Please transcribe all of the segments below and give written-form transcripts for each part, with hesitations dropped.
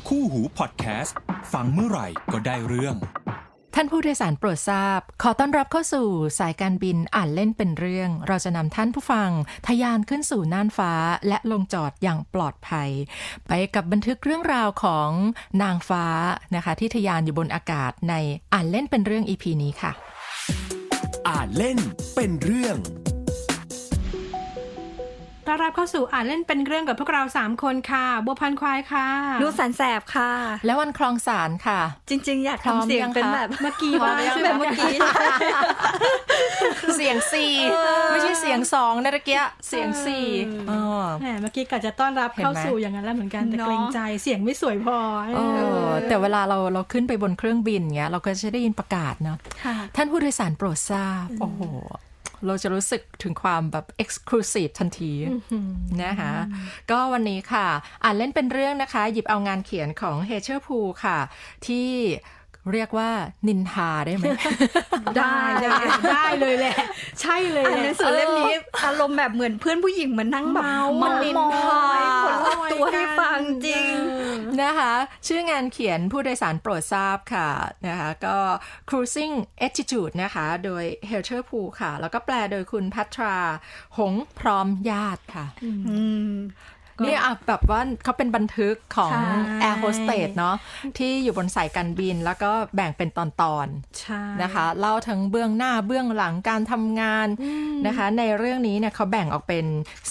คู่หูพอดแคสต์ฟังเมื่อไหร่ก็ได้เรื่องท่านผู้โดยสารโปรดทราบขอต้อนรับเข้าสู่สายการบินอ่านเล่นเป็นเรื่องเราจะนำท่านผู้ฟังทะยานขึ้นสู่น่านฟ้าและลงจอดอย่างปลอดภัยไปกับบันทึกเรื่องราวของนางฟ้านะคะที่ทะยานอยู่บนอากาศในอ่านเล่นเป็นเรื่อง EP นี้ค่ะอ่านเล่นเป็นเรื่องต้อนรับเข้าสู่อ่านเล่นเป็นเรื่องกับพวกเรา3คนค่ะบัวพันควายค่ะนูสันแสบค่ะและวันคลองสารค่ะจริงๆอยากทำเสียงเป็นแบบเมื่อกี้บ้างแบบเมื่อกี้เสียง4ไม่ใช่เสียง2นะตะเกียเสียง4 แหมเมื่อกี้กะจะต้อนรับเข้าสู่อย่างนั้นแล้วเหมือนกันแต่เกรงใจเสียงไม่สวยพอแต่เวลาเราขึ้นไปบนเครื่องบินเงี้ยเราก็จะได้ยินประกาศเนาะท่านผู้โดยสารโปรดทราบโอ้โหเราจะรู้สึกถึงความแบบ exclusive ทันทีนะคะก็วันนี้ค่ะอ่านเล่นเป็นเรื่องนะคะหยิบเอางานเขียนของเฮเชอร์พูค่ะที่เรียกว่านินทาได้ไหมได้เลยแหละใช่เลยหนังสือเล่มนี้อารมณ์แบบเหมือนเพื่อนผู้หญิงมานั่งแบบมันนินทาคนรอบตัวให้ฟังจริงนะคะชื่องานเขียนผู้โดยสารโปรดทราบค่ะนะคะก็ Cruising Attitude นะคะโดยเฮเชอร์พูค่ะแล้วก็แปลโดยคุณพัทราหงพร้อมญาติค่ะนี่แบบว่าเขาเป็นบันทึกของ Air Hostess เนาะที่อยู่บนสายการบินแล้วก็แบ่งเป็นตอนๆนะคะเล่าทั้งเบื้องหน้าเบื้องหลังการทำงานนะคะในเรื่องนี้เนี่ยเขาแบ่งออกเป็น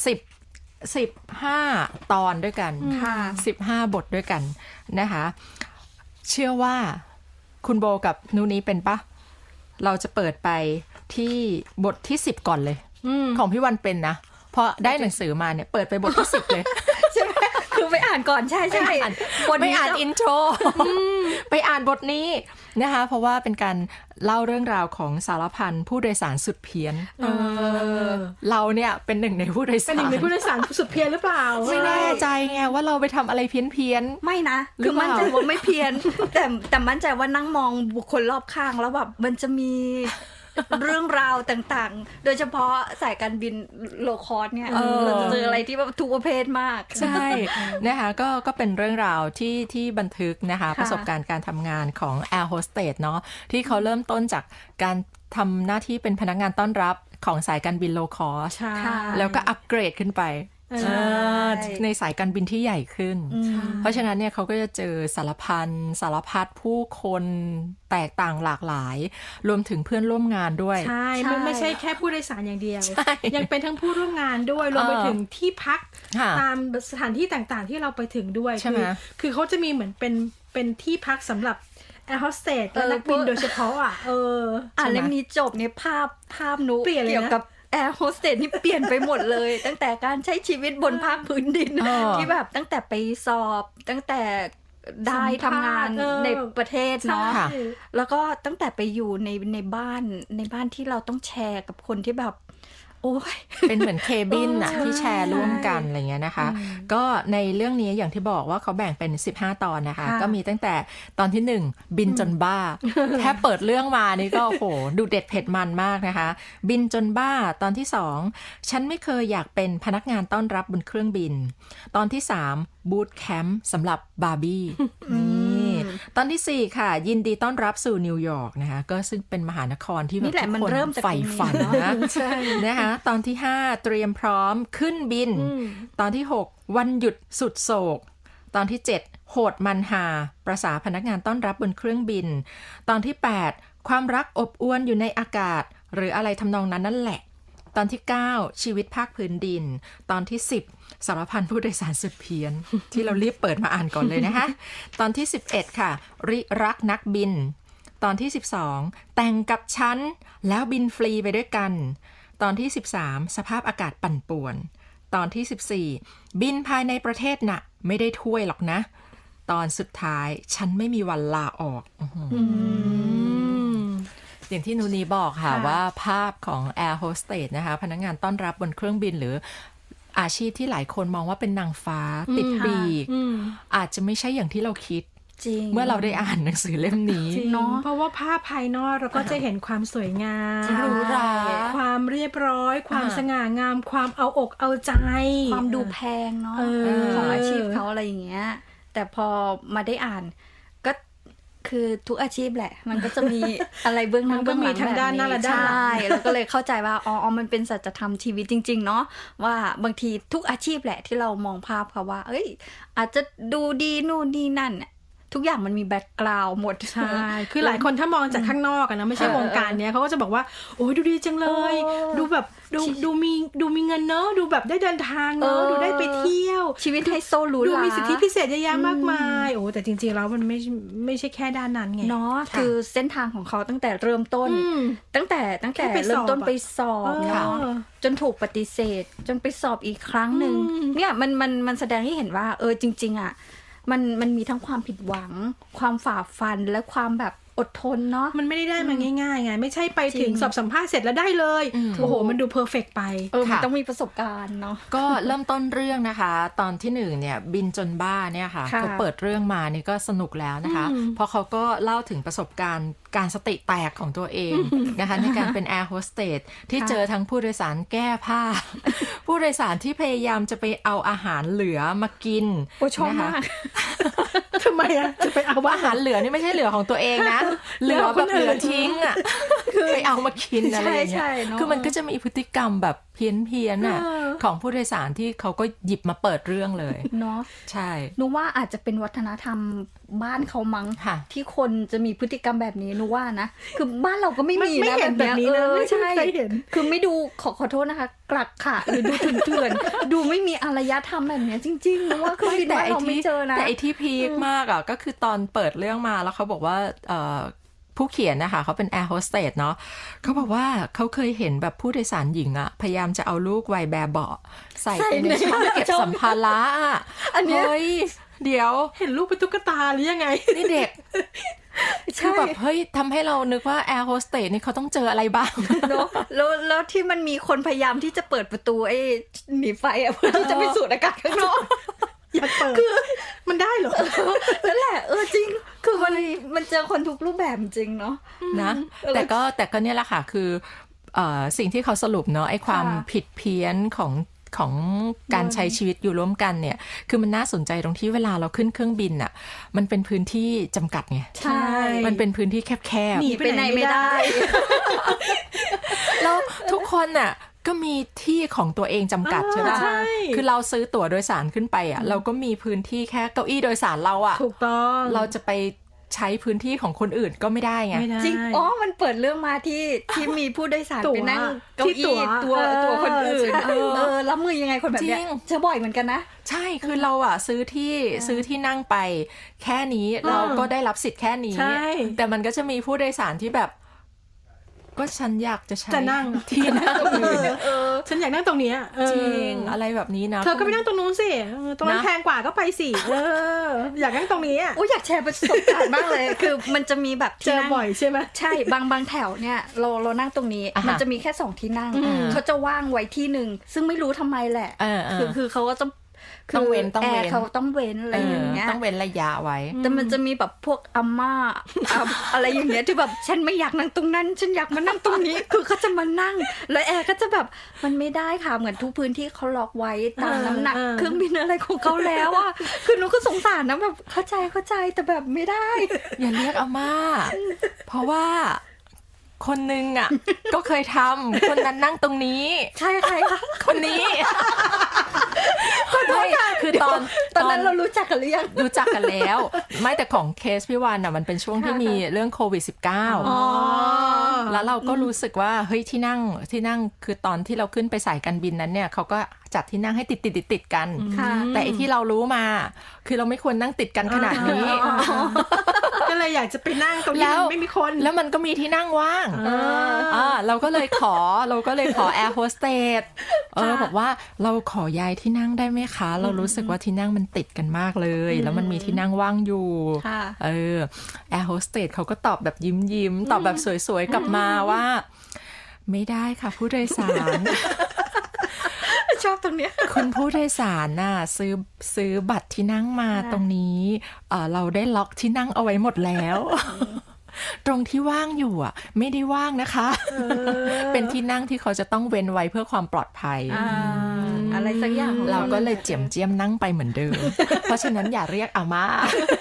15 ตอนด้วยกัน15 บทด้วยกันนะคะเชื่อว่าคุณโบกับนูนี้เป็นปะเราจะเปิดไปที่บทที่10ก่อนเลยของพี่วันเป็นนะพอได้หนังสือมาเนี่ยเปิดไปบทที่10เลยใช่ไหมคือไปอ่านก่อนใช่ใช่ไม่อ่านอินโทรไปอ่านบทนี้นะคะเพราะว่าเป็นการเล่าเรื่องราวของสารพันผู้โดยสารสุดเพี้ยนเราเนี่ยเป็นหนึ่งในผู้โดยสารเป็นหนึ่งในผู้โดยสารสุดเพี้ยนหรือเปล่าไม่แน่ใจไงว่าเราไปทำอะไรเพี้ยนไม่นะคือมั่นใจว่าไม่เพี้ยนแต่มั่นใจว่านั่งมองบุคคลรอบข้างแล้วแบบมันจะมีเรื่องราวต่างๆโดยเฉพาะสายการบินโลคอสเนี่ยเราจะเจออะไรที่แบบทุกประเภทมากใช่นะคะก็เป็นเรื่องราวที่บันทึกนะคะประสบการณ์การทำงานของ Air Hostess เนาะที่เขาเริ่มต้นจากการทำหน้าที่เป็นพนักงานต้อนรับของสายการบินโลคอสแล้วก็อัปเกรดขึ้นไปในสายการบินที่ใหญ่ขึ้นเพราะฉะนั้นเนี่ยเขาก็จะเจอสารพัดผู้คนแตกต่างหลากหลายรวมถึงเพื่อนร่วมงานด้วยใช่ไม่ใช่แค่ผู้โดยสารอย่างเดียวยังเป็นทั้งผู้ร่วมงานด้วยรวมไปถึงที่พักตามสถานที่ต่างๆที่เราไปถึงด้วยคือเขาจะมีเหมือนเป็นที่พักสำหรับแอร์โฮสเตสและนักบินโดยเฉพาะเล่มนี้จบเนี่ยภาพนุเกี่ยวกับแอร์โฮสเตสนี่เปลี่ยนไปหมดเลยตั้งแต่การใช้ชีวิตบนภาคพื้นดินที่แบบตั้งแต่ไปสอบตั้งแต่ได้ทำงานในประเทศเนาะแล้วก็ตั้งแต่ไปอยู่ในบ้านที่เราต้องแชร์กับคนที่แบบโอ้ยเป็นเหมือนเคบินอะที่แชร์ร่วมกันอะไรเงี้ยนะคะก็ในเรื่องนี้อย่างที่บอกว่าเขาแบ่งเป็น15 ตอนนะคะก็มีตั้งแต่ตอนที่1บินจนบ้าแค่เปิดเรื่องมานี่ก็โหดูเด็ดเผ็ดมันมากนะคะบินจนบ้าตอนที่2ฉันไม่เคยอยากเป็นพนักงานต้อนรับบนเครื่องบินตอนที่3บูทแคมป์สำหรับบาร์บี้นี่ตอนที่4ค่ะยินดีต้อนรับสู่นิวยอร์กนะคะก็ซึ่งเป็นมหานครที่แบบทุกคนใฝ่ฝันนะนะคะตอนที่5เตรียมพร้อมขึ้นบินตอนที่6วันหยุดสุดโศกตอนที่7โหดมันหาประสาพนักงานต้อนรับบนเครื่องบินตอนที่8ความรักอบอวลอยู่ในอากาศหรืออะไรทำนองนั้นนั่นแหละตอนที่9ชีวิตภาคพื้นดินตอนที่10สารพันผู้โดยสารสุดเพี้ยน ที่เรารีบเปิดมาอ่านก่อนเลยนะคะตอนที่11ค่ะริรักนักบินตอนที่12แต่งกับฉันแล้วบินฟรีไปด้วยกันตอนที่13สภาพอากาศปั่นป่วนตอนที่14บินภายในประเทศน่ะไม่ได้ถ้วยหรอกนะตอนสุดท้ายฉันไม่มีวันลาออกอย่างที่นูนีบอกค่ะว่าภาพของ Air Hostess นะคะพนักงานต้อนรับบนเครื่องบินหรืออาชีพที่หลายคนมองว่าเป็นนางฟ้าติดปีกอาจจะไม่ใช่อย่างที่เราคิดเมื่อเราได้อ่านหนังสือเล่มนี้เนาะเพราะว่าภาพภายนอกเราก็จะเห็นความสวยงามหรูหราความเรียบร้อยความสง่างามความเอาอกเอาใจความดูแพงเนาะของอาชีพเขาอะไรอย่างเงี้ยแต่พอมาได้อ่านก็คือทุกอาชีพแหละมันก็จะมีอะไรเบื้องหน้าเบื้องหลังแบบนี้ใช่แล้วก็เลยเข้าใจว่าอ๋อมันเป็นสัจธรรมชีวิตจริงๆเนาะว่าบางทีทุกอาชีพแหละที่เรามองภาพค่ะว่าเอ้ยอาจจะดูดีนู่นนี่นั่นทุกอย่างมันมีแบ็คกราวด์หมดใช่คือหลายคนถ้ามองจากข้างนอกนะไม่ใช่วงการเนี้ยเขาก็จะบอกว่าโอ้ยดูดีจังเลยดูแบบดูมีเงินเนอะดูแบบได้เดินทางเนอะดูได้ไปเที่ยวชีวิตไฮโซหรูหราดูมีสิทธิพิเศษเยอะแยะมากมายโอ้แต่จริงๆแล้วมันไม่ใช่แค่ด้านนั้นไงเนาะคือเส้นทางของเขาตั้งแต่เริ่มต้นตั้งแต่เริ่มต้นไปสอบเนาะจนถูกปฏิเสธจนไปสอบอีกครั้งนึงเนี่ยมันแสดงให้เห็นว่าจริงๆอ่ะมันมีทั้งความผิดหวังความฝ่าฟันและความแบบอดทนเนาะมันไม่ได้มาง่ายๆไงไม่ใช่ไปถึงสอบสัมภาษณ์เสร็จแล้วได้เลยโอ้โหมันดูเพอร์เฟกต์ไปมันต้องมีประสบการณ์เนาะก็เริ่มต้นเรื่องนะคะตอนที่1เนี่ยบินจนบ้าเนี่ยค่ะเขาเปิดเรื่องมานี่ก็สนุกแล้วนะคะเพราะเขาก็เล่าถึงประสบการณ์การสติแตกของตัวเองนะคะในการเป็นแอร์โฮสเตสที่เจอทั้งผู้โดยสารแก้ผ้าผู้โดยสารที่พยายามจะไปเอาอาหารเหลือมากินนะคะทำไมอะจะไปเอาอาหารเหลือนี่ไม่ใช่เหลือของตัวเองนะเหลือแบบเหลือทิ้งอ่ะไปเอามากินอะไรอย่างเงี้ยคือมันก็จะมีพฤติกรรมแบบเพี้ยนอ่ะของผู้โดยสารที่เขาก็หยิบมาเปิดเรื่องเลยเนาะใช่นูว่าอาจจะเป็นวัฒนธรรมบ้านเขามั้งที่คนจะมีพฤติกรรมแบบนี้นูว่านะคือบ้านเราก็ไม่มีนะแบบนี้ใช่คือไม่ดูขอโทษนะคะกลักค่ะหรือดูเถื่อนๆดูไม่มีอารยธรรมแบบนี้จริงๆนูว่าคือแต่เราไม่เจอนะแต่ไอ้ที่พีคมากอ่ะก็คือตอนเปิดเรื่องมาแล้วเขาบอกว่าผู้เขียนนะคะเขาเป็นแอร์โฮสเตสเนาะเขาบอกว่าเขาเคยเห็นแบบผู้โดยสารหญิงอะพยายามจะเอาลูกวัยแบบเบาะใส่ไปในช่องเก็บสัมภาระอันนี้เดี๋ยวเห็นลูกเป็นตุ๊กตาหรือยังไงนี่เด็กคือแบบเฮ้ยทำให้เรานึกว่าแอร์โฮสเตสนี่เขาต้องเจออะไรบ้างเนาะแล้วที่มันมีคนพยายามที่จะเปิดประตูไอ้หนีไฟอะเพื่อที่จะไปสูดอากาศข้างนอกอยากเปิดคือมันได้เหรอนั่นแหละจริงคือมันเจอคนทุกรูปแบบจริงเนาะนะแต่ก็เนี่ยแหละค่ะคือสิ่งที่เขาสรุปเนาะไอ้ความผิดเพี้ยนของการใช้ชีวิตอยู่ร่วมกันเนี่ยคือมันน่าสนใจตรงที่เวลาเราขึ้นเครื่องบินอ่ะมันเป็นพื้นที่จำกัดไงใช่มันเป็นพื้นที่แคบๆหนีไปไหนไม่ได้แล้วทุกคนอ่ะก็มีที่ของตัวเองจำกัดใช่ไหมคือเราซื้อตั๋วโดยสารขึ้นไปอ่ะเราก็มีพื้นที่แค่เก้าอี้โดยสารเราอ่ะถูกต้องเราจะไปใช้พื้นที่ของคนอื่นก็ไม่ได้ไงจริงมันเปิดเรื่องมาที่มีผู้โดยสารไปนั่งเก้าอี้ตัวคนอื่นรับมือยังไงคนแบบเนี้ยเจอบ่อยเหมือนกันนะใช่คือเราอ่ะซื้อที่นั่งไปแค่นี้เราก็ได้รับสิทธิ์แค่นี้แต่มันก็จะมีผู้โดยสารที่แบบก็ฉันอยากจะใช้นั่งที่นั่งฉันอยากนั่งตรงนี้จริงอะไรแบบนี้นะเธอก็ไปนั่งตรงนู้นสิตรงนั้นแพงกว่าก็ไปสิอยากนั่งตรงนี้อยากแชร์ประสบการณ์มากเลยคือมันจะมีแบบเจอบ่อยใช่ไหมใช่บางแถวเนี่ยเรานั่งตรงนี้มันจะมีแค่2ที่นั่งเขาจะว่างไว้ที่นึงซึ่งไม่รู้ทำไมแหละคือเขาก็จะต้องเว้นเขาต้องเว้นอะไรอย่างเงี้ยต้องเว้นระยะไว้แต่มันจะมีแบบพวกอาม่าอะไรอย่างเงี้ยที่แบบฉันไม่อยากนั่งตรงนั้นฉันอยากมานั่งตรงนี้คือเขาจะมานั่งแล้วแอร์ก็จะแบบมันไม่ได้ค่ะเหมือนทุกพื้นที่เขาล็อกไว้ตามน้ำหนักเครื่องบินอะไรของเขาแล้วอ่ะคือหนูก็สงสารนะแบบเข้าใจแต่แบบไม่ได้อย่าเรียกอาม่าเพราะว่าคนนึงอ่ะก็เคยทำคนนั้นนั่งตรงนี้ใช่ใครคะคนนี้คือตอนนั้นเรารู้จักกันหรือยังรู้จักกันแล้วไม่แต่ของเคสพี่วานอ่ะมันเป็นช่วงที่มีเรื่องโควิด-19แล้วเราก็รู้สึกว่าเฮ้ยที่นั่งคือตอนที่เราขึ้นไปสายการบินนั้นเนี่ยเขาก็จัดที่นั่งให้ติดกันแต่ไอ้ที่เรารู้มาคือเราไม่ควรนั่งติดกันขนาดนี้ก็เลยอยากจะไปนั่งตรงนี้ไม่มีคนแล้วมันก็มีที่นั่งว่างเราก็เลยขอแอร์โฮสเตสบอกว่าเราขอย้ายที่นั่งได้ไหมคะเรารู้สึกว่าที่นั่งมันติดกันมากเลยแล้วมันมีที่นั่งว่างอยู่แอร์โฮสเตสเขาก็ตอบแบบยิ้มตอบแบบสวยๆกลับมาว่าไม่ได้ค่ะผู้โดยสารชอบตรงเนี้ยคุณผู้โดยสารน่ะซื้อบัตรที่นั่งมาตรงนี้เราได้ล็อกที่นั่งเอาไว้หมดแล้วตรงที่ว่างอยู่อ่ะไม่ได้ว่างนะคะ เป็นที่นั่งที่เขาจะต้องเว้นไว้เพื่อความปลอดภัยอะไรสักอย่างเราก็เลยเจียมเจียมนั่งไปเหมือนเดิม เพราะฉะนั้นอย่าเรียกอาม่า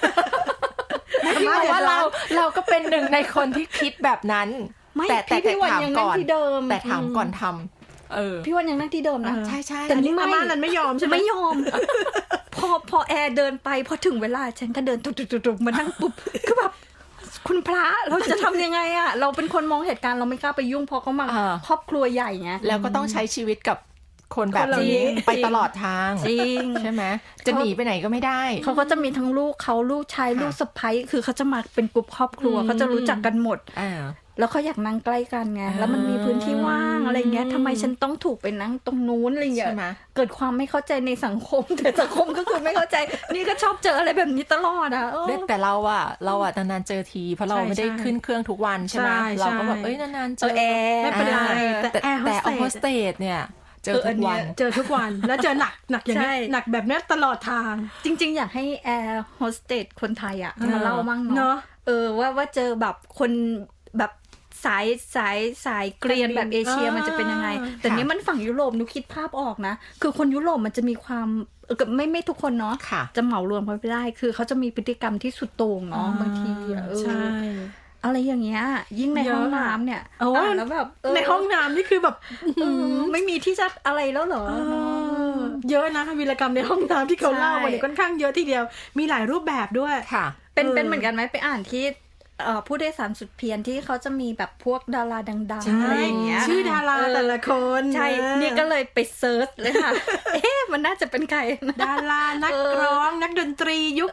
เพราะว่าเราก็เป็นหนึ่งในคนที่คิดแบบนั้นแต่ถามก่อนแต่ถามก่อนทำพี่วันยังนั่งที่เดิมนะใช่ใช่แต่นี่อาม่านั้นไม่ยอมใช่ไหมไม่ยอมพอแอร์เดินไปพอถึงเวลาฉันก็เดินตุกๆมานั่งปุ๊บคือแบบคุณพระเราจะทำยังไงอะเราเป็นคนมองเหตุการณ์เราไม่กล้าไปยุ่งเพราะเขามาครอบครัวใหญ่ไงแล้วก็ต้องใช้ชีวิตกับคนแบบนี้ไปตลอดทางจริงใช่ไหมจะหนีไปไหนก็ไม่ได้เขาก็จะมีทั้งลูกเขาลูกชายลูกสะใภ้คือเขาจะมาเป็นกลุ่มครอบครัวเขาจะรู้จักกันหมดแล้วเขาอยากนั่งใกล้กันไงแล้วมันมีพื้นที่ว่างอะไรเงี้ยทำไมฉันต้องถูกไปนั่งตรงนู้นอะไรเงี้ยเกิดความไม่เข้าใจในสังคมแต่สังคมก็คือไม่เข้าใจนี่ก็ชอบเจออะไรแบบนี้ตลอดอ่ะแต่เราอ่ะนานๆเจอทีเพราะเราไม่ได้ขึ้นเครื่องทุกวันใช่ไหมเราก็แบบนานๆเจอไม่เป็นไรแต่โฮสเตสเนี่ยเจอทุกวันแล้วเจอหนักอย่างนี้หนักแบบนี้ตลอดทางจริงๆอยากให้แอร์โฮสเตสคนไทยอ่ะมาเล่ามั่งเนาะว่าเจอแบบคนแบบสายเกรียนแบบเอเชียมันจะเป็นยังไงแต่เนี้ยมันฝั่งยุโรปนุคิดภาพออกนะคือคนยุโรปมันจะมีความไม่ทุกคนเนาะจะเหมารวมเขาไม่ได้คือเขาจะมีพฤติกรรมที่สุดโต่งเนาะบางทีใช่อะไรอย่างเงี้ยยิ่งในห้องน้ำเนี่ยแล้วแบบในห้องน้ำนี่คือแบบไม่มีที่จะอะไรแล้วเหรอเยอะนะวีรกรรมในห้องน้ำที่เขาเล่ามาเนี่ยค่อนข้างเยอะทีเดียวมีหลายรูปแบบด้วยค่ะเป็นเหมือนกันไหมไปอ่านที่ผู้โดยสารสุดเพียรที่เขาจะมีแบบพวกดาราดังๆอะไรอย่างเงี้ยชื่อดาราแต่ละคนใช่นี่ก็เลยไปเซิร์ชเลยค่ะมันน่าจะเป็นใครดารานักร้องนักดนตรียุค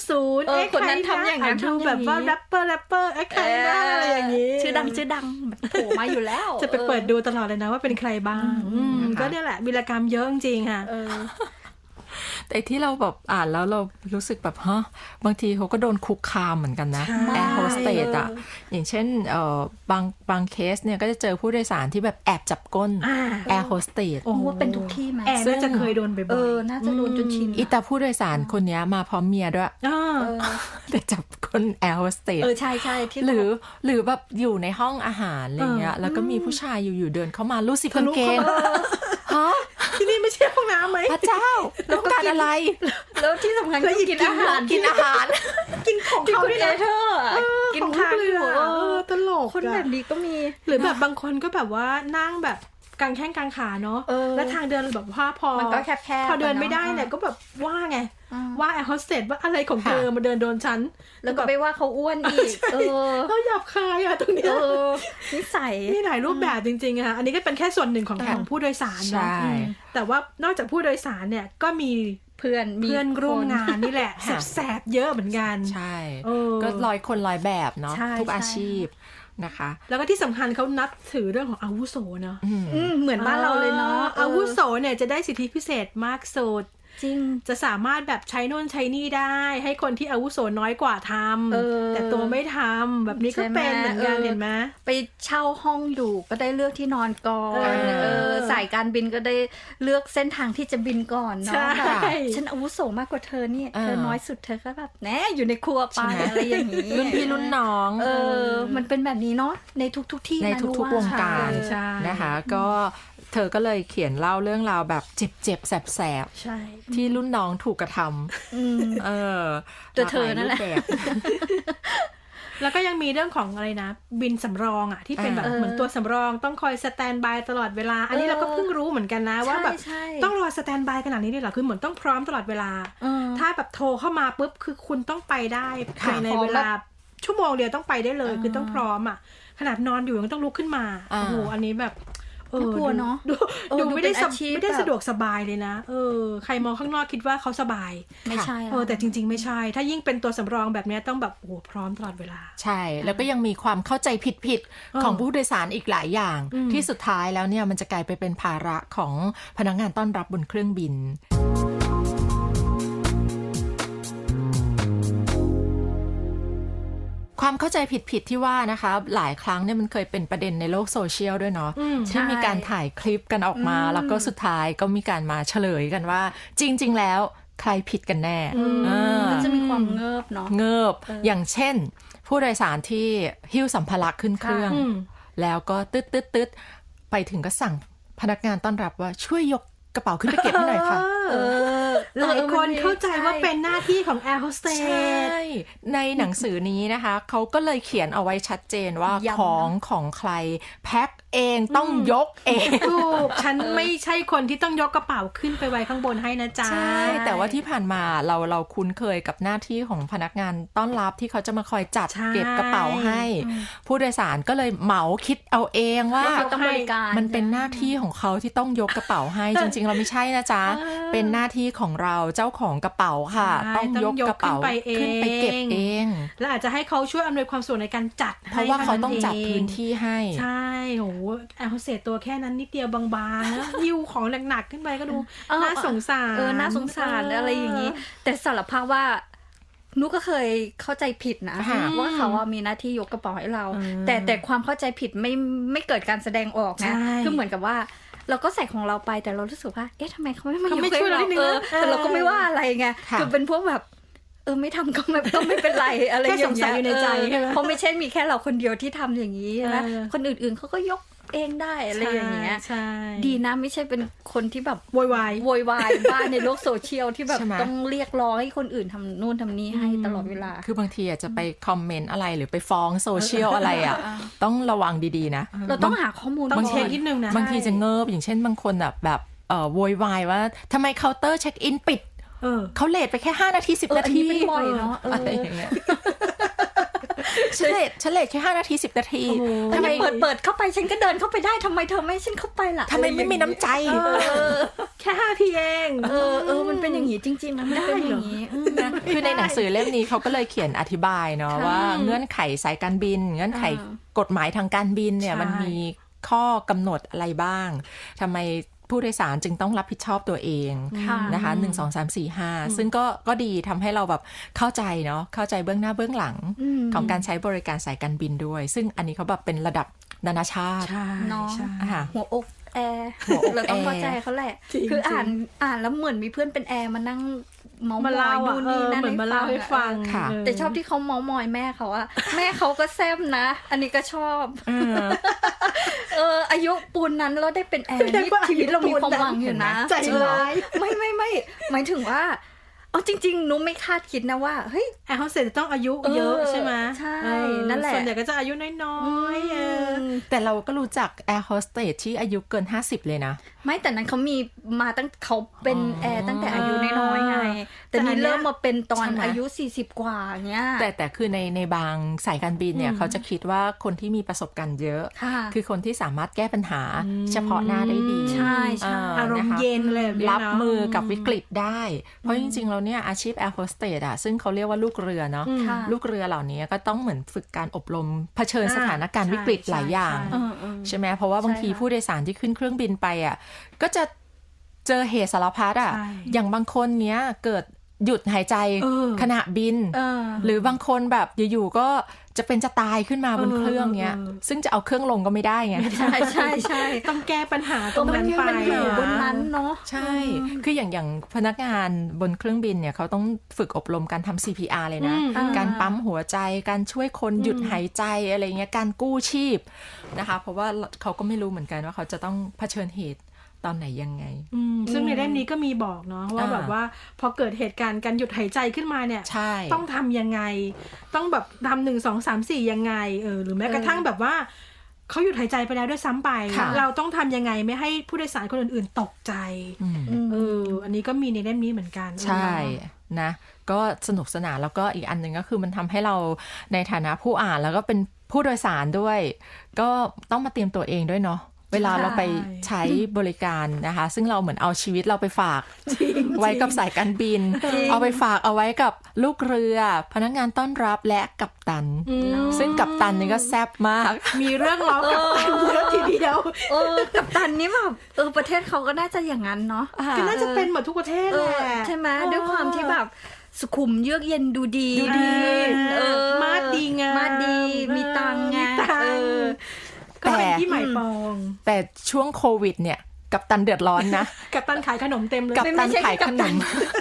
90 คนนั้นทำอย่างนั้นดูแบบว่าแรปเปอร์ใครบ้างอะไรอย่างงี้ชื่อดังโผล่มาอยู่แล้วจะไปเปิดดูตลอดเลยนะว่าเป็นใครบ้างก็เนี่ยแหละวีรกรรมเยอะจริงๆค่ะแต่ที่เราแบบอ่านแล้วเรารู้สึกแบบบางทีเขาก็โดนคุกคามเหมือนกันนะแอร์โฮสเตสอ่ะอย่างเช่นบางเคสเนี่ยก็จะเจอผู้โดยสารที่แบบแอบจับก้นแอร์โฮสเตสว่าเป็นทุกที่ไหมแอร์น่าจะเคยโดนบ่อยๆน่าจะโดนจนชินอีตาผู้โดยสารคนนี้มาพร้อมเมียด้วยแต่จับก้นแอร์โฮสเตสใช่ที่หรือแบบอยู่ในห้องอาหารอะไรเงี้ยแล้วก็มีผู้ชายอยู่เดินเข้ามาลูกศิษย์กางเกงที่นี่ไม่ใช่ห้องน้ำไหมพระเจ้าแล้วการอะไรแล้วที่สำคัญก็กินอาหารกินของเขาด้วยนะกินข้าวอยู่ตลกคนแบบนี้ก็มีหรือแบบบางคนก็แบบว่านั่งแบบกางแข้งกางขาเนาะแล้วทางเดินแบบว่าพอมันก็แคบพอเดินไม่ได้เนี่ยก็แบบว่าไงว่าแอร์โฮสเตสว่าอะไรของเธอมาเดินโดนฉันแล้วก็ไปว่าเขาอ้วนอีกเขาหยาบคายอะตรงนี้นิสัยมีหลายรูปแบบจริงๆอะอันนี้ก็เป็นแค่ส่วนหนึ่งของผู้โดยสารเนาะแต่ว่านอกจากผู้โดยสารเนี่ยก็มีเพื่อนร่วมงานนี่แหละแสบเยอะเหมือนกันใช่ก็100 คน100แบบเนาะทุกอาชีพนะคะแล้วก็ที่สำคัญเขานับถือเรื่องของอาวุโสเนาะเหมือนบ้านเราเลยเนาะอาวุโสเนี่ยจะได้สิทธิพิเศษมากสุดจริงจะสามารถแบบใช้โน่นใช้นี่ได้ให้คนที่อาวุโสน้อยกว่าทำแต่ตัวไม่ทำแบบนี้ก็เป็นเหมือนกันเห็นไหมไปเช่าห้องอยู่ก็ได้เลือกที่นอนก่อนสายการบินก็ได้เลือกเส้นทางที่จะบินก่อนเนาะฉันอาวุโสมากกว่าเธอนี่เธอน้อยสุดเธอก็แบบแหนอยู่ในครัวไปอะไรอย่างนี้รุ่นพี่รุ่นน้องมันเป็นแบบนี้เนาะในทุกที่ในทุกวงการนะคะก็เธอก็เลยเขียนเล่าเรื่องราวแบบเจ็บๆแสบๆที่รุ่นน้องถูกกระทำตัวเธอนั่นแหละแล้วก็ยังมีเรื่องของอะไรนะบินสำรองอ่ะที่เป็นแบบเหมือนตัวสำรองต้องคอยสแตนบายตลอดเวลาอันนี้เราก็เพิ่งรู้เหมือนกันนะว่าแบบต้องรอสแตนบายขนาดนี้เลยเหรอคือเหมือนต้องพร้อมตลอดเวลาถ้าแบบโทรเข้ามาปุ๊บคือคุณต้องไปได้ภายในเวลาชั่วโมงเดียวต้องไปได้เลยคือต้องพร้อมอ่ะขนาดนอนอยู่ยังต้องลุกขึ้นมาโอ้โหอันนี้แบบกลัวเนาะดูไม่ได้สะดวกสบายเลยนะใครมองข้างนอกคิดว่าเขาสบายไม่ใช่แต่จริงๆไม่ใช่ถ้ายิ่งเป็นตัวสำรองแบบนี้ต้องแบบโอ้พร้อมตลอดเวลาใช่แล้วก็ยังมีความเข้าใจผิดของผู้โดยสารอีกหลายอย่างที่สุดท้ายแล้วเนี่ยมันจะกลายไปเป็นภาระของพนักงานต้อนรับบนเครื่องบินความเข้าใจผิดที่ว่านะคะหลายครั้งเนี่ยมันเคยเป็นประเด็นในโลกโซเชียลด้วยเนาะที่มีการถ่ายคลิปกันออกมาแล้วก็สุดท้ายก็มีการมาเฉลยกันว่าจริงๆแล้วใครผิดกันแน่ก็จะมีความเงิบเนาะเงิบอย่างเช่นผู้โดยสารที่หิ้วสัมภาระขึ้นเครื่องแล้วก็ตึ๊ดไปถึงก็สั่งพนักงานต้อนรับว่าช่วยยกกระเป๋าขึ้นไปเก็บให้หน่อยค่ะหลายคนเข้าใจว่าเป็นหน้าที่ของแอร์โฮสเตสใช่ในหนังสือนี้นะคะเขาก็เลยเขียนเอาไว้ชัดเจนว่าของใครแพ็คเองต้องยกเองถูกฉันไม่ใช่คนที่ต้องยกกระเป๋าขึ้นไปไว้ข้างบนให้นะจ๊ะใช่แต่ว่าที่ผ่านมาเราคุ้นเคยกับหน้าที่ของพนักงานต้อนรับที่เขาจะมาคอยจัดเก็บกระเป๋าให้ผู้โดยสารก็เลยเหมาคิดเอาเองว่ามันเป็นหน้าที่ของเขาที่ต้องยกกระเป๋าให้จริงๆเราไม่ใช่นะจ๊ะเป็นหน้าที่ของเราเจ้าของกระเป๋าค่ะต้องยกกระเป๋าขึ้นไปเก็บเองแล้วอาจจะให้เขาช่วยอำนวยความสะดวกในการจัดเพราะว่าเขาต้องจัดพื้นที่ให้ใช่โหแอร์โฮสเตสตัวแค่นั้นนิดเดียวบางๆนะหิ้วของหนักๆขึ้นไปก็ดูน่าสงสารน่าสงสารอะไรอย่างนี้แต่สารภาพว่านุก็เคยเข้าใจผิดนะว่าเขามีหน้าที่ยกกระเป๋าให้เราแต่ความเข้าใจผิดไม่เกิดการแสดงออกนะคือเหมือนกับว่าเราก็ใส่ของเราไปแต่เรารู้สึกว่าทำไมเขาไม่มายกให้เราแต่เราก็ไม่ว่าอะไรไงคือเป็นพวกแบบไม่ทำก็ไม่เป็นไรอะไรอย่างเงี้ยอยู่ในใจเพราะไม่ใช่มีแค่เราคนเดียวที่ทำอย่างนี้นะคนอื่นๆเขาก็ยกเองได้อะไรอย่างเงี้ยดีนะไม่ใช่เป็นคนที่แบบโวยวายบ้านในโลกโซเชียลที่แบบต้องเรียกร้องให้คนอื่นทำนู่นทำนี่ให้ตลอดเวลาคือบางทีอาจจะไปคอมเมนต์อะไรหรือไปฟ้องโซเชียลอะไรต้องระวังดีๆนะเราต้องหาข้อมูลต้องเช็คนิดนึงนะบางทีจะเงิบอย่างเช่นบางคนแบบโวยวายว่าทำไมเคาน์เตอร์เช็คอินปิดเขาเลทไปแค่5 นาที10 นาทีเป็นบ่อยเนาะอะไรอย่างเงี้ยฉันเลทแค่5 นาที10 นาทีทำไมเปิดเข้าไปฉันก็เดินเข้าไปได้ทำไมเธอไม่ฉันเข้าไปล่ะทำไมไม่มีน้ำใจแค่5 นาทีเองมันเป็นอย่างนี้จริงๆนะมันเป็นอย่างนี้คือในหนังสือเล่มนี้เขาก็เลยเขียนอธิบายเนาะว่าเงื่อนไขสายการบินเงื่อนไขกฎหมายทางการบินเนี่ยมันมีข้อกำหนดอะไรบ้างทำไมผู้โดยสารจึงต้องรับผิดชอบตัวเองนะคะ1 2 3 4 5ซึ่งก็ดีทำให้เราแบบเข้าใจเนาะเข้าใจเบื้องหน้าเบื้องหลังของการใช้บริการสายการบินด้วยซึ่งอันนี้เขาแบบเป็นระดับนานาชาติเนาะหัวอกแอร์เราต้องเข้าใจเขาแหละคืออ่านแล้วเหมือนมีเพื่อนเป็นแอร์มานั่งมาเล่าดูนี่นั่นเหมือนมาเล่าให้ฟังแต่ชอบที่เขาเมามอยแม่เขาอะแม่เขาก็แซ่บนะอันนี้ก็ชอบอายุปูนนั้นเราได้เป็นแอร์นี่ชีวิตเรามีความหวังอยู่นะใจร้ายไม่หมายถึงว่าจริงๆนุ้มไม่คาดคิดนะว่าเฮ้ยแอร์โฮสเตสต้องอายุเยอะใช่ไหมใช่นั่นแหละส่วนใหญ่ก็จะอายุน้อยๆแต่เราก็รู้จักแอร์โฮสเตสที่อายุเกิน50เลยนะไม่แต่นั้นเขามีมาตั้งเขาเป็นแอร์ตั้งแต่อายุน้อยๆไงแต่นี่เริ่มมาเป็นตอนอายุ40กว่าเงี้ยแต่คือในบางสายการบินเนี่ยเขาจะคิดว่าคนที่มีประสบการณ์เยอะคือคนที่สามารถแก้ปัญหาเฉพาะหน้าได้ดีใช่อารมณ์เย็นเลยรับมือกับวิกฤตได้เพราะจริงๆเราเนี่ยอาชีพแอร์โฮสเตสซึ่งเขาเรียกว่าลูกเรือเนาะลูกเรือเหล่านี้ก็ต้องเหมือนฝึกการอบรมเผชิญสถานการณ์วิกฤตหลายอย่างใช่ไหมเพราะว่าบางทีผู้โดยสารที่ขึ้นเครื่องบินไปก็จะเจอเหตุสารพัดอย่างบางคนเนี้ยเกิดหยุดหายใจขณะบินหรือบางคนแบบอยู่ๆก็จะเป็นจะตายขึ้นมาบนเครื่องเนี้ยซึ่งจะเอาเครื่องลงก็ไม่ได้ไงใช่ต้องแก้ปัญหาตรงนั้นไปบนนั้นเนาะใช่คืออย่างพนักงานบนเครื่องบินเนี่ยเขาต้องฝึกอบรมการทำ CPR เลยนะการปั๊มหัวใจการช่วยคนหยุดหายใจอะไรเงี้ยการกู้ชีพนะคะเพราะว่าเขาก็ไม่รู้เหมือนกันว่าเขาจะต้องเผชิญเหตุตอนไหนยังไงซึ่งในเล่มนี้ก็มีบอกเนาะว่าแบบว่าพอเกิดเหตุการณ์การหยุดหายใจขึ้นมาเนี่ยต้องทำยังไงต้องแบบทำ1 2 3 4ยังไงหรือแม้กระทั่งแบบว่าเขาหยุดหายใจไปแล้วด้วยซ้ำไปเราต้องทำยังไงไม่ให้ผู้โดยสารคนอื่นๆตกใจอันนี้ก็มีในเล่มนี้เหมือนกันใช่นะก็สนุกสนานแล้วก็อีกอันนึงก็คือมันทำให้เราในฐานะผู้อ่านแล้วก็เป็นผู้โดยสารด้วยก็ต้องมาเตรียมตัวเองด้วยเนาะเวลาเราไปใช้บริการนะคะซึ่งเราเหมือนเอาชีวิตเราไปฝากไว้กับสายการบินเอาไปฝากเอาไว้กับลูกเรือพนักงานต้อนรับและกัปตันซึ่งกัปตันนี่ก็แซ่บมากมีเรื่องล้อกัปตันเยอะทีเดียวกัปตันนี่แบบประเทศเขาก็น่าจะอย่างนั้นเนาะก็น่าจะเป็นหมดทุกประเทศแหละใช่ไหมด้วยความที่แบบสุขุมเยือกเย็นดูดีมาดีไงมาดีมีตังไงก็เป็นที่หมายปองแต่ช่วงโควิดเนี่ยกัปตันเดือดร้อนนะกัปตันขายขนมเต็มเลยกัปตันขายขนม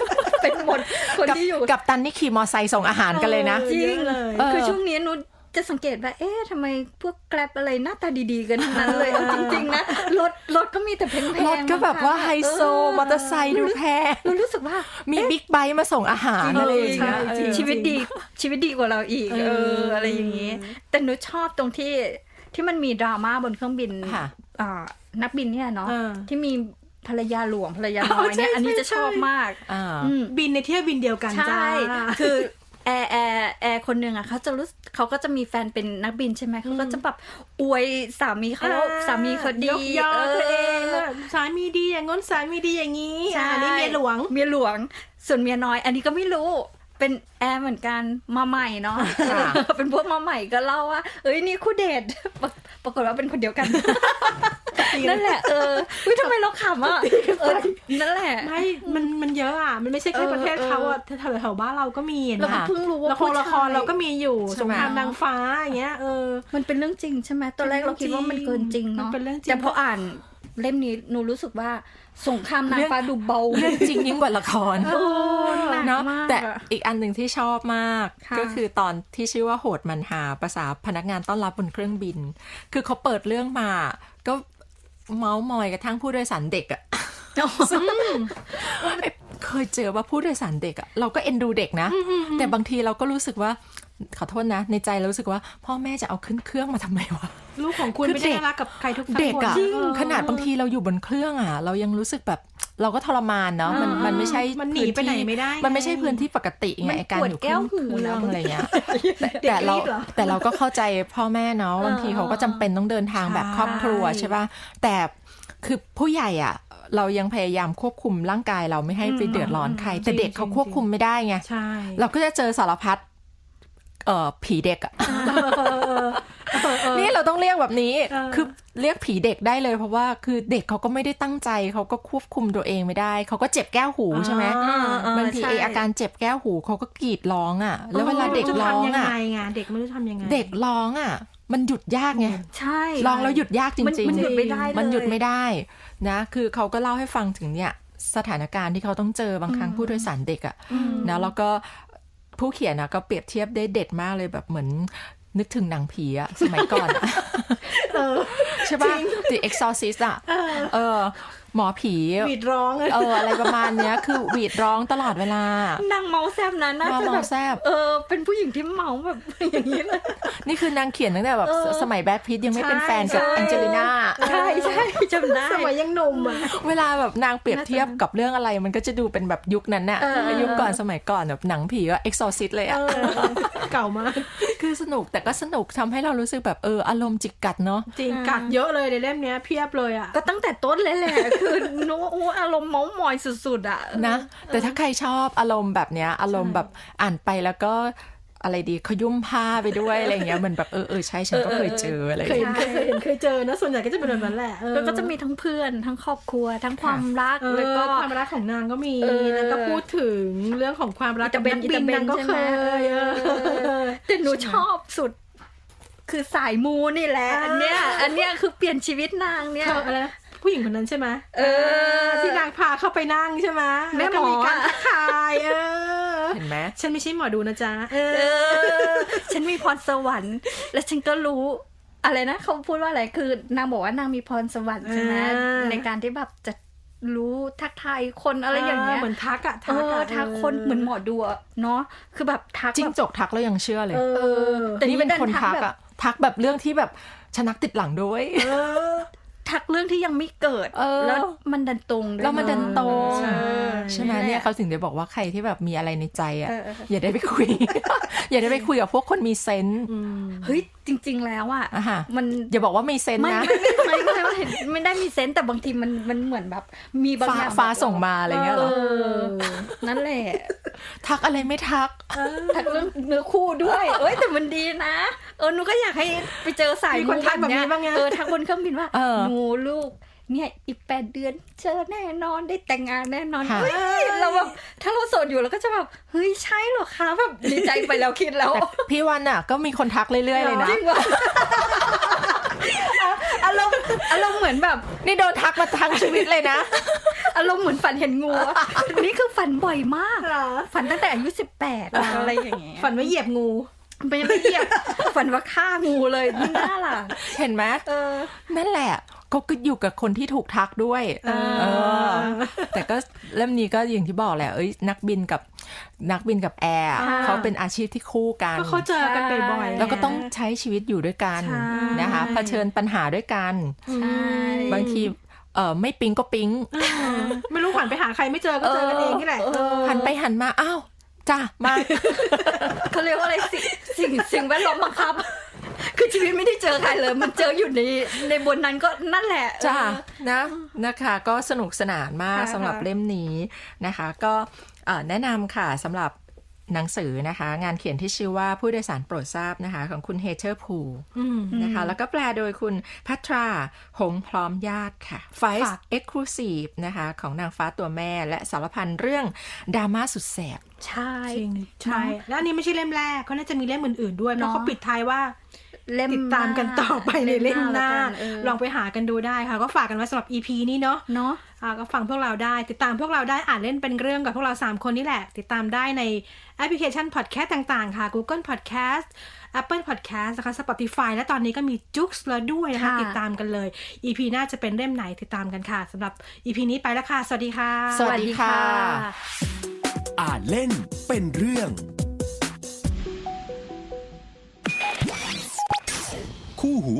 เป็นหมดคนที่อยู่กับตันนี่ขี่มอไซค์ส่งอาหารกันเลยนะจริงเลยคือช่วงนี้นุชจะสังเกตว่าทำไมพวกแกร็บอะไรหน้าตาดีๆกันทั้งนั้นเลยจริงๆนะรถก็มีแต่แพงๆรถก็แบบว่าไฮโซมอเตอร์ไซค์ดูแพงเรารู้สึกว่ามีบิ๊กไบค์มาส่งอาหารอะไรอย่างเงี้ยชีวิตดีกว่าเราอีกอะไรอย่างงี้แต่นุชชอบตรงที่มันมีดราม่าบนเครื่องบินนักบินเนี่ยเนาะที่มีภรรยาหลวงภรรยาน้อยเนี่ยอันนี้จะชอบมากบินในเที่ยวบินเดียวกันจ้าคือแอร์คนหนึ่งอ่ะเขาก็จะมีแฟนเป็นนักบินใช่ไหมเขาก็จะแบบอวยสามีเขาดียกยอตัวเองสามีดีอย่างงั้นสามีดีอย่างนี้อันนี้เมียหลวงส่วนเมียน้อยอันนี้ก็ไม่รู้เป็นแอร์เหมือนกันมาใหม่เนาะเป็นพวกมาใหม่ก็เล่าว่านี่คู่เดทปรากฏว่าเป็นคนเดียวกันนั่นแหละทำไมเราขำอ่ะนั่นแหละไม่มันเยอะอ่ะมันไม่ใช่แค่ประเทศเขาอ่ะแถวบ้านเราก็มีนะเราเพิ่งรู้ว่าละครเราก็มีอยู่สงครามนางฟ้าอย่างเงี้ยมันเป็นเรื่องจริงใช่ไหมตอนแรกเราคิดว่ามันเกินจริงเนาะแต่พออ่านเล่มนี้หนูรู้สึกว่าสงครามนางฟ้าดูเบาเรื่องจริงยิ่งกว่าละครเนาะแต่อีกอันหนึ่งที่ชอบมากก็คือตอนที่ชื่อว่าโหดมันหาภาษาพนักงานต้อนรับบนเครื่องบินคือเขาเปิดเรื่องมาก็เมาส์มอยกระทั่งผู้โดยสารเด็กอ่ะเคยเจอว่าผู้โดยสารเด็กอ่ะเราก็เอ็นดูเด็กนะแต่บางทีเราก็รู้สึกว่าขอโทษนะในใจเรารู้สึกว่าพ่อแม่จะเอาขึ้นเครื่องมาทำไมวะลูกของคุณไม่ได้รักกับใครทุกคนเด็กอะขนาดบางทีเราอยู่บนเครื่องอะเรายังรู้สึกแบบเราก็ทรมานเนาะมันไม่ใช่มันหนีไปไหนไม่ได้มันไม่ใช่พื้นที่ปกติไงการอยู่เครื่องอะไรเงี้ยแต่เราก็เข้าใจพ่อแม่เนาะบางทีเขาก็จำเป็นต้องเดินทางแบบครอบครัวใช่ป่ะแต่คือผู้ใหญ่อะเรายังพยายามควบคุมร่างกายเราไม่ให้ไปเดือดร้อนใครแต่เด็กเขาควบคุมไม่ได้ไงเราก็จะเจอสารพัดผีเด็กอ่ะนี่เราต้องเรียกแบบนี้คือเรียกผีเด็กได้เลยเพราะว่าคือเด็กเขาก็ไม่ได้ตั้งใจเขาก็ควบคุมตัวเองไม่ได้เขาก็เจ็บแก้วหูใช่ไหมบางทีอาการเจ็บแก้วหูเขาก็กรีดร้องอ่ะแล้วเวลาเด็กร้องอ่ะเด็กไม่รู้ทำยังไงเด็กร้องอ่ะมันหยุดยากไงใช่ร้องแล้วหยุดยากจริงๆมันหยุดไม่ได้มันหยุดไม่ได้นะคือเขาก็เล่าให้ฟังถึงเนี่ยสถานการณ์ที่เขาต้องเจอบางครั้งผู้โดยสารเด็กอ่ะนะแล้วก็ผู้เขียนนะก็เปรียบเทียบได้เด็ดมากเลยแบบเหมือนนึกถึงหนังผีอะสมัยก่อนใช่ป่ะ The Exorcist อะหมอผีหวีดร้องอะไรประมาณเนี้ยคือหวีดร้องตลอดเวลานางเมาแซบนะน่าจะแบบเป็นผู้หญิงที่เมาแบบอย่างนี้เลยนี่คือนางเขียนตั้งแต่แบบสมัยแบทพิทยังไม่เป็นแฟนกับแองเจลิน่าใช่จำได้สมัยยังหนุ่มอะเวลาแบบนางเปรียบเทียบกับเรื่องอะไรมันก็จะดูเป็นแบบยุคนั้นน่ะยุคก่อนสมัยก่อนแบบหนังผีก็ Exorcist เลยอะเก่ามากคือสนุกแต่ก็สนุกทำให้เรารู้สึกแบบอารมณ์จิกกัดเนาะจริงกัดเยอะเลยในเล่มนี้เพียบเลยอะก็ตั้งแต่ต้นเลยแหละคืออารมณ์เม้ามอยสุดๆอ่ะนะแต่ถ้าใครชอบอารมณ์แบบเนี้ยอารมณ์แบบอ่านไปแล้วก็อะไรดีขยุ่มผ้าไปด้วยอะไรเงี้ยเหมือนแบบใช่ฉันก็เคยเจออะไรเคยเจอนะส่วนใหญ่ก็จะเป็นแบบนั้นแหละแล้วก็จะมีทั้งเพื่อนทั้งครอบครัวทั้งความรักแล้วก็ความรักของนางก็มีแล้วก็พูดถึงเรื่องของความรักกับนักบินนางก็เคยแต่หนูชอบสุดคือสายมูนี่แหละอันเนี้ยคือเปลี่ยนชีวิตนางเนี่ยอะไรผู้หญิงคนนั้นใช่ไหมที่นางพาเข้าไปนั่งใช่ไหมแม่หมอมีการทักทายเห็นไหมฉันไม่ใช่หมอดูนะจ๊ะฉันมีพรสวรรค์และฉันก็รู้อะไรนะเขาพูดว่าอะไรคือนางบอกว่านางมีพรสวรรค์ใช่ไหมในการที่แบบจะรู้ทักทายคนอะไรอย่างเงี้ยเหมือนทักคนเหมือนหมอดูเนาะคือแบบทักจิ้งจกทักแล้วยังเชื่อเลยแต่นี่เป็นคนทักอะทักแบบเรื่องที่แบบชนักติดหลังด้วยทักเรื่องที่ยังไม่เกิดแล้วมันดันตรงแล้วมันดันตรงใช่ไหมเนี่ยเขาถึงได้บอกว่าใครที่แบบมีอะไรในใจอ่ะอย่าได้ไปคุย อย่าได้ไปคุยกับพวกคนมีเซนส์เฮ้ยจริงๆแล้วอ่ะมันอย่าบอกว่ามีเซนส์นะไม่ได้มีเซนส์แต่บางทีมันเหมือนแบบมีบางอย่างฟ้าส่งมาอะไรเงี้ยหรอนั่นแหละทักอะไรไม่ทักเรื่องเนื้อคู่ด้วยแต่มันดีนะหนูก็อยากให้ไปเจอสายคนทักแบบนี้บ้างไงทักบนเครื่องบินว่าหนูลูกเนี่ยอีก8 เดือนเจอแน่นอนได้แต่งงานแน่นอนเฮ้ยเราแบบถ้าเราโสดอยู่เราก็จะแบบเฮ้ยใช่เหรอคะแบบดีใจไปแล้วคิดแล้วพี่วันอ่ะก็มีคนทักเรื่อยๆเลยนะอารมณ์เหมือนแบบนี่โดนทักมาทั้งชีวิตเลยนะอารมณ์เหมือนฝันเห็นงูอะนี่คือฝันบ่อยมากฝันตั้งแต่อายุ18อะไรอย่างเงี้ยฝันว่าเหยียบงูไม่เหยียบฝันว่าฆ่างูเลยนี่น่าล่ะเห็นไหมนั่นแหละก็อยู่กับคนที่ถูกทักด้วยแต่ก็เล่มนี้ก็อย่างที่บอกแหละนักบินกับแอร์เขาเป็นอาชีพที่คู่กันก็เขาเจอกันบ่อยๆแล้วก็ต้องใช้ชีวิตอยู่ด้วยกันนะคะเผชิญปัญหาด้วยกันบางทีไม่ปิ๊งก็ปิ๊งไม่รู้หันไปหาใครไม่เจอก็เจอกันเองนี่แหละหันไปหันมาอ้าวจ้ามาเขาเรียกว่าอะไรสิ่งแวดล้อมบังคับคือชีวิตไม่ได้เจอใครเลยมันเจออยู่ในบนนั้นก็นั่นแหละจ้านะคะก็สนุกสนานมากสำหรับเล่มนี้นะคะก็แนะนำค่ะสำหรับหนังสือนะคะงานเขียนที่ชื่อว่าผู้โดยสารโปรดทราบนะคะของคุณเฮเธอร์พูนะคะแล้วก็แปลโดยคุณพัทราหงพร้อมญาติค่ะ Five Exclusive นะคะของนางฟ้าตัวแม่และสารพันเรื่องดราม่าสุดแสบใช่แล้วอันนี้ไม่ใช่เล่มแรกเขาน่าจะมีเล่มอื่นๆด้วยเพราะเขาปิดท้ายว่าติดตามกันต่อไปในเล่มหน้าลองไปหากันดูได้ค่ะก็ฝากกันไว้สำหรับ EP นี้เนาะก็ฟังพวกเราได้ติดตามพวกเราได้อ่านเล่นเป็นเรื่องกับพวกเรา3คนนี่แหละติดตามได้ในแอปพลิเคชัน Podcast ต่างๆค่ะ Google Podcast Apple Podcast นะคะ Spotify และตอนนี้ก็มีจุ๊กส์แล้วด้วยนะคะติดตามกันเลย EP หน้าจะเป็นเล่มไหนติดตามกันค่ะสำหรับ EP นี้ไปแล้วค่ะสวัสดีค่ะสวัสดีค่ะอ่านเล่นเป็นเรื่องคู่หู